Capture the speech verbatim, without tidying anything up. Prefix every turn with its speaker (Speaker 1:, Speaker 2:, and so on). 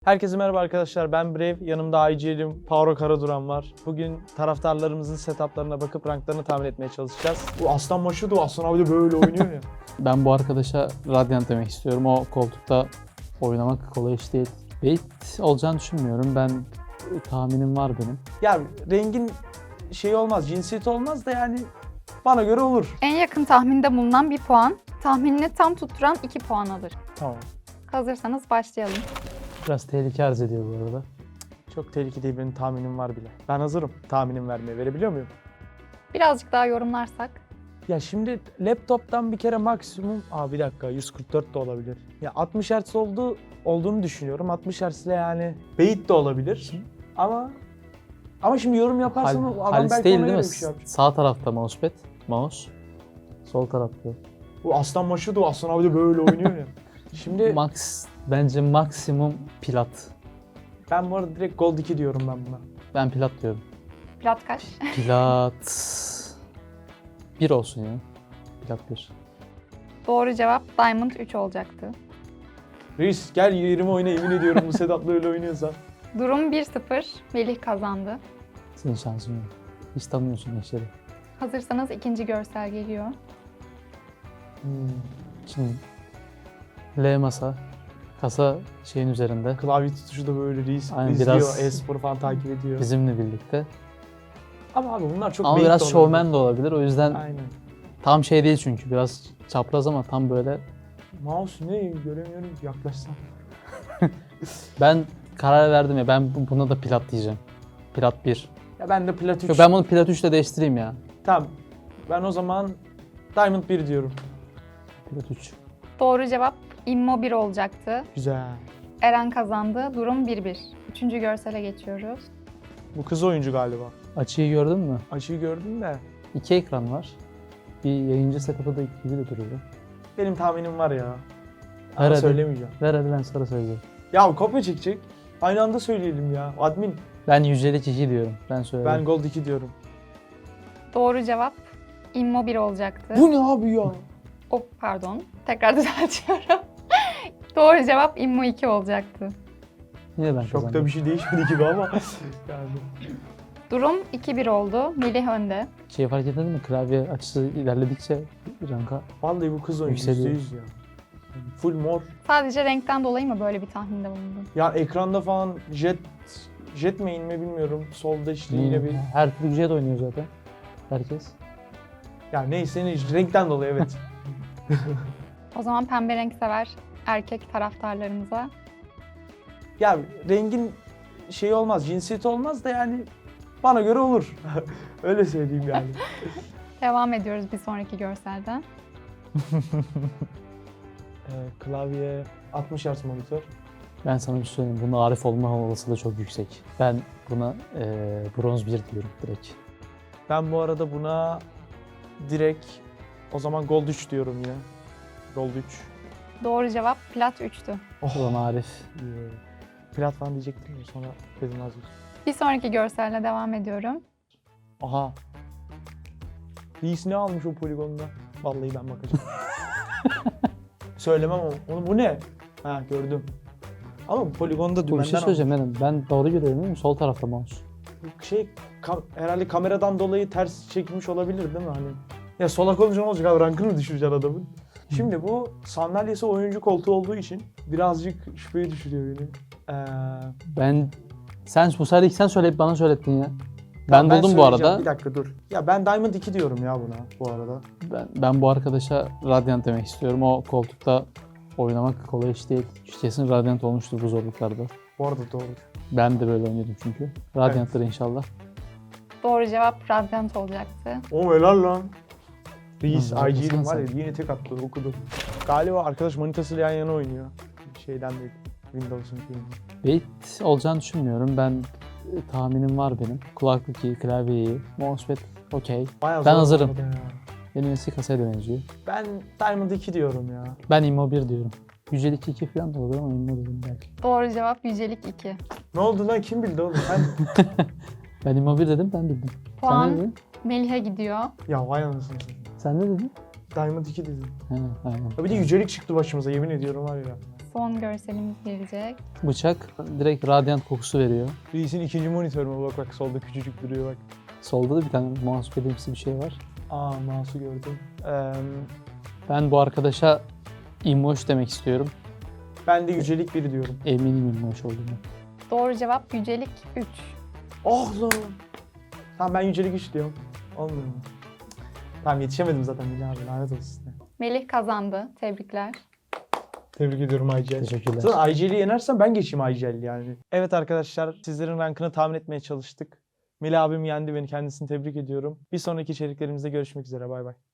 Speaker 1: Herkese merhaba arkadaşlar, ben Brave, yanımda I G L'im Power Karaduran var. Bugün taraftarlarımızın setuplarına bakıp ranklarını tahmin etmeye çalışacağız. Bu Aslan maçı da Aslan abi de böyle oynuyor ya.
Speaker 2: Ben bu arkadaşa Radiant demek istiyorum. O koltukta oynamak kolay iş değil. Bait olacağını düşünmüyorum. Ben tahminim var benim.
Speaker 1: Ya rengin şey olmaz, cinsiyeti olmaz da yani bana göre olur.
Speaker 3: En yakın tahminde bulunan bir puan, tahminini tam tutturan iki puan alır.
Speaker 1: Tamam.
Speaker 3: Hazırsanız başlayalım.
Speaker 2: Biraz tehlike arz ediyor bu arada.
Speaker 1: Çok tehlikeli değil, benim tahminim var bile. Ben hazırım tahminim vermeye, verebiliyor muyum?
Speaker 3: Birazcık daha yorumlarsak.
Speaker 1: Ya şimdi laptoptan bir kere maksimum, aa bir dakika yüz kırk dört de olabilir. Ya altmış hertz oldu, olduğunu düşünüyorum. altmış hertz ile yani bait de olabilir. Ama ama şimdi yorum yaparsam
Speaker 2: Hal,
Speaker 1: adam
Speaker 2: Halis
Speaker 1: belki
Speaker 2: değil
Speaker 1: ona
Speaker 2: değil
Speaker 1: göre
Speaker 2: mi?
Speaker 1: bir şey yapacak.
Speaker 2: Sağ tarafta mousepad. Mouse. Sol tarafta.
Speaker 1: Bu Aslan maçı da Aslan abi de böyle oynuyor ya. Şimdi
Speaker 2: Max, bence maksimum plat.
Speaker 1: ben bu arada direkt Gold iki diyorum ben buna.
Speaker 2: Ben plat diyorum.
Speaker 3: Plat kaç?
Speaker 2: Plat bir olsun ya. Plat bir.
Speaker 3: Doğru cevap Diamond üç olacaktı.
Speaker 1: Reis gel yerime oyna, yemin ediyorum bu setupla öyle oynuyorsa.
Speaker 3: Durum bir sıfır. Melih kazandı.
Speaker 2: Senin şansın yok. Hiç tanımıyorsun eşleri.
Speaker 3: Hazırsanız ikinci görsel geliyor.
Speaker 1: Hmm.
Speaker 2: Şimdi L masa. Kasa şeyin üzerinde.
Speaker 1: Klavye tutuşu da böyle reis
Speaker 2: Aynen,
Speaker 1: izliyor,
Speaker 2: biraz-
Speaker 1: e-sporu falan takip ediyor.
Speaker 2: Bizimle birlikte.
Speaker 1: Ama abi bunlar çok
Speaker 2: Ama
Speaker 1: bait de
Speaker 2: biraz
Speaker 1: olabilir.
Speaker 2: şovmen de olabilir. O yüzden
Speaker 1: Aynen.
Speaker 2: tam şey değil çünkü. Biraz çapraz ama tam böyle.
Speaker 1: Mouse ne göremiyorum ki, yaklaşsam.
Speaker 2: Ben karar verdim ya. Ben bu- buna da plat diyeceğim. Plat bir.
Speaker 1: Ya ben de plat üç.
Speaker 2: Yok, ben bunu plat üç ile değiştireyim ya.
Speaker 1: Tamam. Ben o zaman Diamond bir diyorum.
Speaker 2: Plat üç.
Speaker 3: Doğru cevap Immo bir olacaktı.
Speaker 1: Güzel.
Speaker 3: Eren kazandı. Durum bir bir. Üçüncü görsele geçiyoruz.
Speaker 1: Bu kız oyuncu galiba.
Speaker 2: Açıyı gördün mü?
Speaker 1: Açıyı gördüm de.
Speaker 2: İki ekran var. Bir yayıncı setup'ı da gibi de duruyor.
Speaker 1: Benim tahminim var ya.
Speaker 2: Ver
Speaker 1: Ama
Speaker 2: hadi.
Speaker 1: söylemeyeceğim.
Speaker 2: Ver hadi, ben sonra söyleyeceğim.
Speaker 1: Ya kopya çekecek. Aynı anda söyleyelim ya. Admin.
Speaker 2: Ben yücelik iki diyorum. Ben söyleyeyim.
Speaker 1: Ben Gold iki diyorum.
Speaker 3: Doğru cevap Immo bir olacaktı.
Speaker 1: Bu ne abi ya?
Speaker 3: Oh pardon. Tekrar düzeltiyorum. Doğru cevap Immo iki olacaktı.
Speaker 2: Yine ben
Speaker 1: Çok
Speaker 2: kazandım.
Speaker 1: da bir şey değişmedi gibi ama. yani.
Speaker 3: Durum iki bir oldu. Melih önde.
Speaker 2: Şey fark ettin mi? Klavye açısı ilerledikçe ranka.
Speaker 1: Vallahi bu kız oyuncu
Speaker 2: Yükseliyor.
Speaker 1: yüzde yüz ya. Full mor.
Speaker 3: Sadece renkten dolayı mı böyle bir tahminde bulundun?
Speaker 1: Ya ekranda falan jet jet main mi bilmiyorum. Solda işte yine bir.
Speaker 2: Her türlü güzel oynuyor zaten. Herkes.
Speaker 1: Ya neyse ne renkten dolayı evet.
Speaker 3: O zaman pembe renk sever erkek taraftarlarımıza.
Speaker 1: Ya rengin şey olmaz, cinsiyeti olmaz da yani bana göre olur. Öyle söyleyeyim yani.
Speaker 3: Devam ediyoruz bir sonraki görselden.
Speaker 1: Ee, klavye altmış hertz monitör.
Speaker 2: Ben sana bir şey söyleyeyim. Bunun Arif olma olasılığı çok yüksek. Ben buna eee bronz bir diyorum direkt.
Speaker 1: Ben bu arada buna direkt o zaman Gold üç diyorum yine. Gold üç.
Speaker 3: Doğru cevap plat üçtü.
Speaker 2: Ulan Arif.
Speaker 1: Yeah. Plat falan diyecektim ya sonra dedim vazgeçtim.
Speaker 3: Bir sonraki görselle devam ediyorum.
Speaker 1: Aha. Reis ne almış o poligonda? Vallahi ben bakacağım. Söylemem ama onu bu ne? Ha gördüm. Ama bu poligonda
Speaker 2: Bu bir
Speaker 1: dümenden
Speaker 2: şey söyleyeceğim benim. Ben doğru görüyorum değil mi? Sol tarafta mouse.
Speaker 1: almış. Şey kam- herhalde kameradan dolayı ters çekilmiş olabilir değil mi hani? Ya solak olunca ne olacak abi, rankını mı düşüreceksin adamın? Şimdi bu sandalyesi oyuncu koltuğu olduğu için birazcık şüpheye düşürüyor beni. Ee,
Speaker 2: Ben sen bu sefer ilk sen söyleyip bana söylettin ya. Ben,
Speaker 1: ben
Speaker 2: buldum bu
Speaker 1: söyleyeceğim.
Speaker 2: arada.
Speaker 1: Bir dakika dur. Ya ben Diamond iki diyorum ya buna bu arada.
Speaker 2: Ben, ben bu arkadaşa Radiant demek istiyorum. O koltukta oynamak kolay iş değil. Kesin Radiant olmuştur bu zorluklarda.
Speaker 1: Bu arada doğru.
Speaker 2: Ben de böyle oynuyordum çünkü. Radiant'tır inşallah.
Speaker 3: Doğru cevap Radiant olacaktı.
Speaker 1: O helal lan. Reis,
Speaker 2: Hı,
Speaker 1: I G'nin
Speaker 2: haklısın
Speaker 1: var ya
Speaker 2: sen.
Speaker 1: yine tek attı, okudu. Galiba arkadaş manitasıyla yan yana oynuyor. Şeyden değil, Windows'un filmi.
Speaker 2: Bait olacağını düşünmüyorum. Ben e, tahminim var benim. Kulaklık iyi, klavye iyi, mousepad okey.
Speaker 1: Bayağı
Speaker 2: Ben
Speaker 1: zor
Speaker 2: hazırım.
Speaker 1: bu arada ya.
Speaker 2: Benim eski kasaya da benziyor.
Speaker 1: Ben Diamond iki diyorum ya.
Speaker 2: Ben Immo bir diyorum. Yücelik iki falan da olur ama Immo dedim belki.
Speaker 3: Doğru cevap Yücelik iki.
Speaker 1: Ne oldu lan, kim bildi oğlum? Sen...
Speaker 2: Ben Immo bir dedim, ben bildim. Sen ne
Speaker 3: Puan
Speaker 2: dedin?
Speaker 3: Melih'e gidiyor.
Speaker 1: ya vay anasını satayım.
Speaker 2: Sen ne dedin?
Speaker 1: Diamond iki dedim.
Speaker 2: He, aynen.
Speaker 1: Ya bir de yücelik çıktı başımıza, yemin ediyorum var ya.
Speaker 3: Son görselimiz gelecek.
Speaker 2: Bıçak direkt radyant kokusu veriyor.
Speaker 1: Reis'in ikinci monitörüme bak bak solda küçücük duruyor bak.
Speaker 2: Solda da bir tane mousepad'imsi bir şey var.
Speaker 1: Aa mouse'u gördüm. Ee,
Speaker 2: Ben bu arkadaşa immoş demek istiyorum.
Speaker 1: ben de yücelik biri diyorum.
Speaker 2: Eminim immoş olduğunu.
Speaker 3: Doğru cevap yücelik üç.
Speaker 1: Oh lan. Tamam ben yücelik üç diyorum. Olmuyor mu? Tamam yetişemedim zaten Melih abi lanet olsun size.
Speaker 3: Melih kazandı. Tebrikler.
Speaker 1: Tebrik ediyorum I G L.
Speaker 2: Teşekkürler.
Speaker 1: Zaten I G L'i yenersem ben geçeyim I G L yani. Evet arkadaşlar sizlerin rankını tahmin etmeye çalıştık. Melih abim yendi beni, kendisini tebrik ediyorum. Bir sonraki içeriklerimizde görüşmek üzere, bay bay.